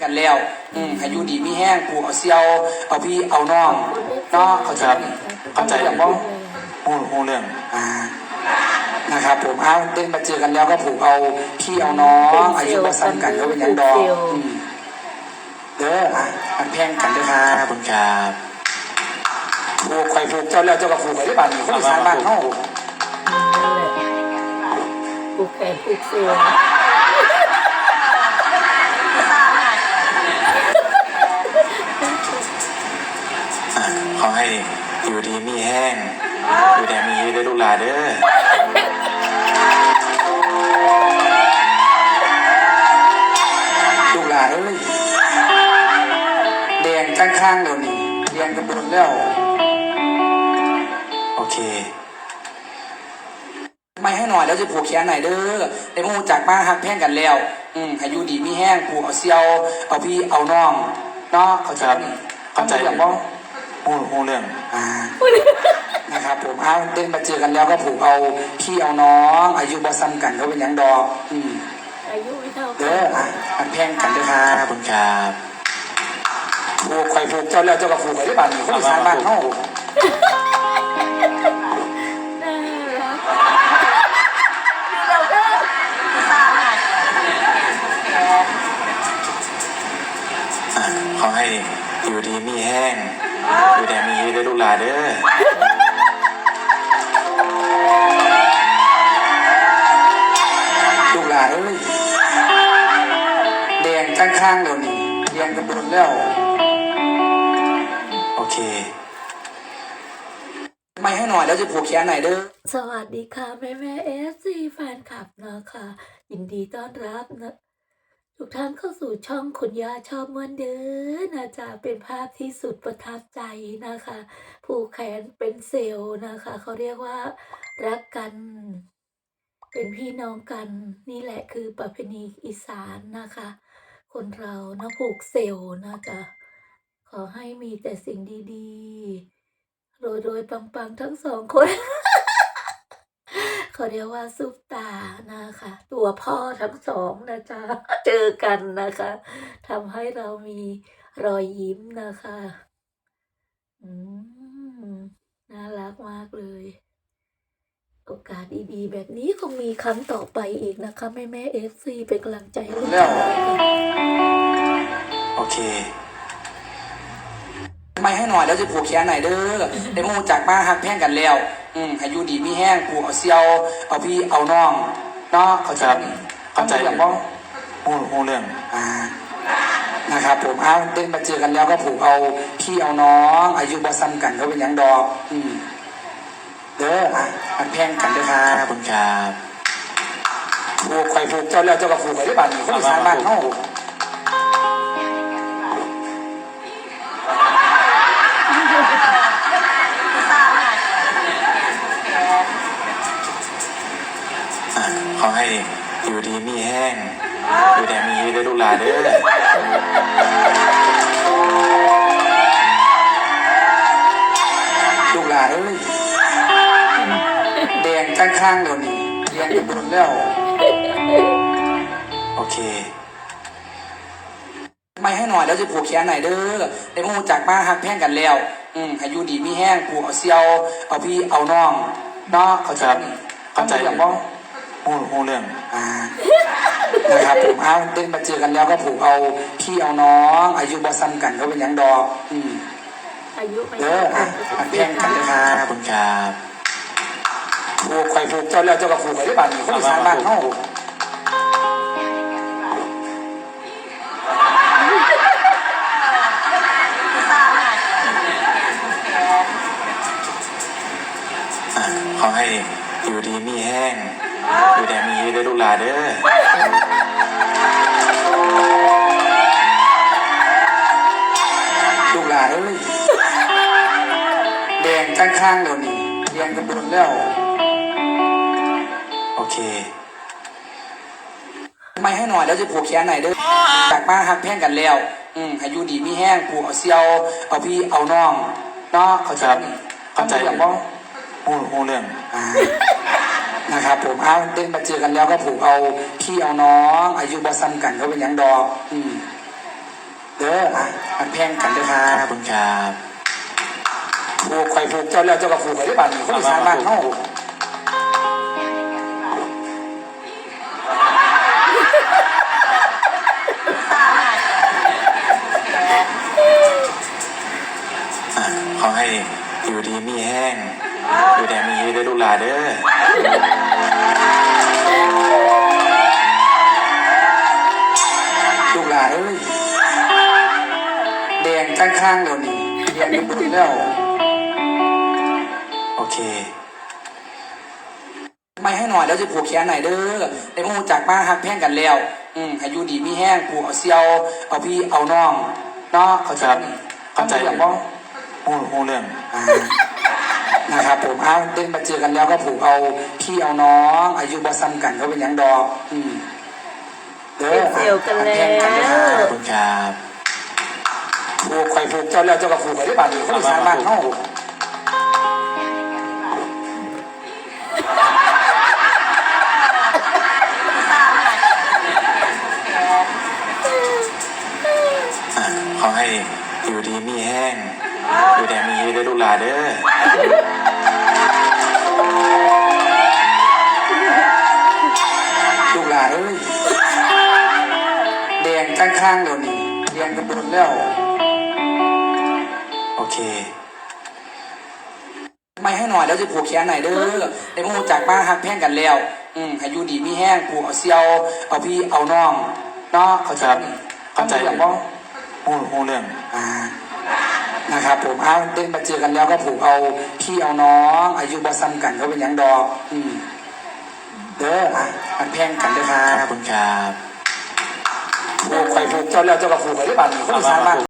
กันแล้วให้อยู่ดีมีแห้งผูกเอาเซียวเอาพี่เอาน้องเนาะเข้าใจอย่างบ้องหูเรื่องนะครับผมเอาเดินมาเจอกันแล้วก็ผูกเอาพี่เอาน้องอายุมาซ้ำกันก็เป็นยังดอกเด้ออันแพงกันด้วยครับขอบคุณครับผูกไข่ผูกเจ้าแล้วเจ้าก็ผูกไข่ได้บ้านเขามีสายบ้านเขาผูกแขนผูกเสือขอให้อยู่ดีมีแห้งอยู่แต่มีได้ลูกหลานเด้อลูกหลานเอ้ยแดงข้างๆเดี๋ยวนี้แดงกระโดดแล้วโอเคไม่ให้หน่อยแล้วจะผูกแขนไหนเด้อได้มูจากมาหักแพงกันแล้วให้อยู่ดีมีแห้งผูกเอาเซียวเอาพี่เอาน้องเนาะเข้าใจอย่างบ้องหูเรื่องนะครับผมเอาเดินมาเจอกันแล้วก็ผูกเอาพี่เอาน้องอายุบ่ซ้ำกันก็เป็นยังดอกอายุไม่เท่าเด้ออันแพงกันด้วยครับขอบคุณครับผูกไข่ผูกเจ้าแล้วเจ้าก็ผูกไข่ได้บ้านเขามีสายบ้านเขาขอให้อยู่ดีมีแห้งอยู่แต่มีได้ลูกหลานเด้อลูกหลานเอ้ยแดงข้างๆเดี๋ยวนี้แดงกระโดดแล้วโอเคไม่ให้หน่อยแล้วจะผูกแขนไหนเด้อสวัสดีค่ะแม่FC แฟนคลับนะคะยินดีต้อนรับนะทุกท่านเข้าสู่ช่องคุณย่าชอบม้วนเด้อนะจ๊ะเป็นภาพที่สุดประทับใจนะคะผูกแขนเป็นเซลล์นะคะเขาเรียกว่ารักกันเป็นพี่น้องกันนี่แหละคือประเพณีอีสานนะคะคนเรานะผูกเซลล์นะจ๊ะขอให้มีแต่สิ่งดีๆโรยปังทั้งสองคน เขาเรียกว่าซุปตานะคะตัวพ่อทั้งสองนะจ๊ะเจอกันนะคะทำให้เรามีรอยยิ้มนะคะน่ารักมากเลยโอกาสดีๆแบบนี้คงมีครั้งต่อไปอีกนะคะแม่FCเป็นกำลังใจให้ลูกชายค่ะโอเคไม่ให้หน่อยแล้วจะผูกแขนไหนเด้อได้มูจากมาหักแพงกันแล้วให้อยู่ดีมีแห้งผูกเอาเซียวเอาพี่เอาน้องเนาะเข้าใจอย่างบ้องหูเรื่องนะครับผมเอาเดินมาเจอกันแล้วก็ผูกเอาพี่เอาน้องอายุบ่ซ้ำกันก็เป็นยังดอกเด้ออันแพงกันด้วยครับขอบคุณครับผูกไข่ผูกเจ้าแล้วเจ้าก็ผูกไข่ได้บ้านเขามีสายบ้านเขาขอให้อยู่ดีมีแห้งอยู่แต่มีได้ลูกหลานเด้อลูกหลานเอ้ยแดงข้างๆเดี๋ยวนี้แดงกระโดดแล้วโอเคไม่ให้หน่อยแล้วจะผูกแขนไหนเด้อได้มูจากมาหักแพงกันแล้วให้อยู่ดีมีแห้งผูกเอาเซียวเอาพี่เอาน้องเนาะเข้าใจอย่างบ้องหูเรื่องนะครับผมเอาเดินมาเจอกันแล้วก็ผูกเอาพี่เอาน้องอายุบ่ซ้ำกันก็เป็นยังดอกอายุไม่เด้ออันแพงกันด้วยครับขอบคุณครับผูกไข่ผูกเจ้าแล้วเจ้าก็ผูกไข่ได้บ้านเขามีสายบ้านเขาขอให้อยู่ดีมีแห้งอยู่แต่มีได้ลูกหลานเด้อลูกหลานเอ้ยแดงข้างๆเดี๋ยวนี้แดงกระโดดแล้วโอเคไม่ให้หน่อยแล้วจะผูกแขนไหนเด้อจากมาหักแพงกันแล้วให้อยู่ดีมีแห้งผูกเอาเซียวเอาพี่เอาน้องเนาะเข้าใจอย่างบ้องหูเรื่องนะครับผมเอาเดินมาเจอกันแล้วก็ผูกเอาพี่เอาน้องอายุบ่ซ้ำกันก็เป็นยังดอกด้ออ่ะมันแพงกันเด้อครัขอบบ คุณครับผูกไข่ผูกเจ้าแล้วเจ้าก็ผูกไข่ได้บ้านคนอีสานบ้านเฮาขอให้อยู่ดีมีแห้งอยู่แดงมีได้ลูกหลานเด้อลูกหลานเอ้ยแดงข้างๆเดี๋ยวนี้เรียนกันหมดแล้วโอเคไม่ให้หน่อยแล้วจะผูกแขนไหนอยเด้อได้มูจากมาหักแพงกันแล้วให้อยู่ดีมีแห้งผูกเอาเซียวเอาพี่เอาน้องเนาะเขาใจครับเข้าใจอย่างบ่หูเรื่องนะครับผมเอาเดินมาเจอกันแล้วก็ผูกเอาพี่เอาน้องอายุบ่ซ้ำกันก็เป็นหยังดอกเด้อเป็นเสี่ยวกันแล้วแพงกันเด้อขอบคุณครับผูกไข่ผูกเจ้าแล้วเจ้าก็ผูกไข่ได้บ้านคนอีสานบ้านเฮาขอให้อยู่ดีมีแห้งอยู่แดงมีได้ลูกหลานเด้อลูกหลานเอ้ยแดงข้างๆเดี๋ยวนี้เรียนกันหมดแล้วโอเคไม่ให้หน่อยแล้วจะผูกแขนไหนอยเด้อได้มูจากมาหักแพงกันแล้วให้อยู่ดีมีแห้งผูกเอาเซียวเอาพี่เอาน้องเนาะเขาใจครับเข้าใจอย่างบ่หูเรื่องนะครับผมเอาเดินมาเจอกันแล้วก็ผูกเอาพี่เอาน้องอายุบ่ซ้ำกันก็เป็นหยังดอกเด้ออ่ะมันแพงกันเด้อครัขอบบ คุณครับผูกไข่ผูกเจ้าแล้วเจ้าก็ผูกไข่ได้บ้านคนอีสานบ้าน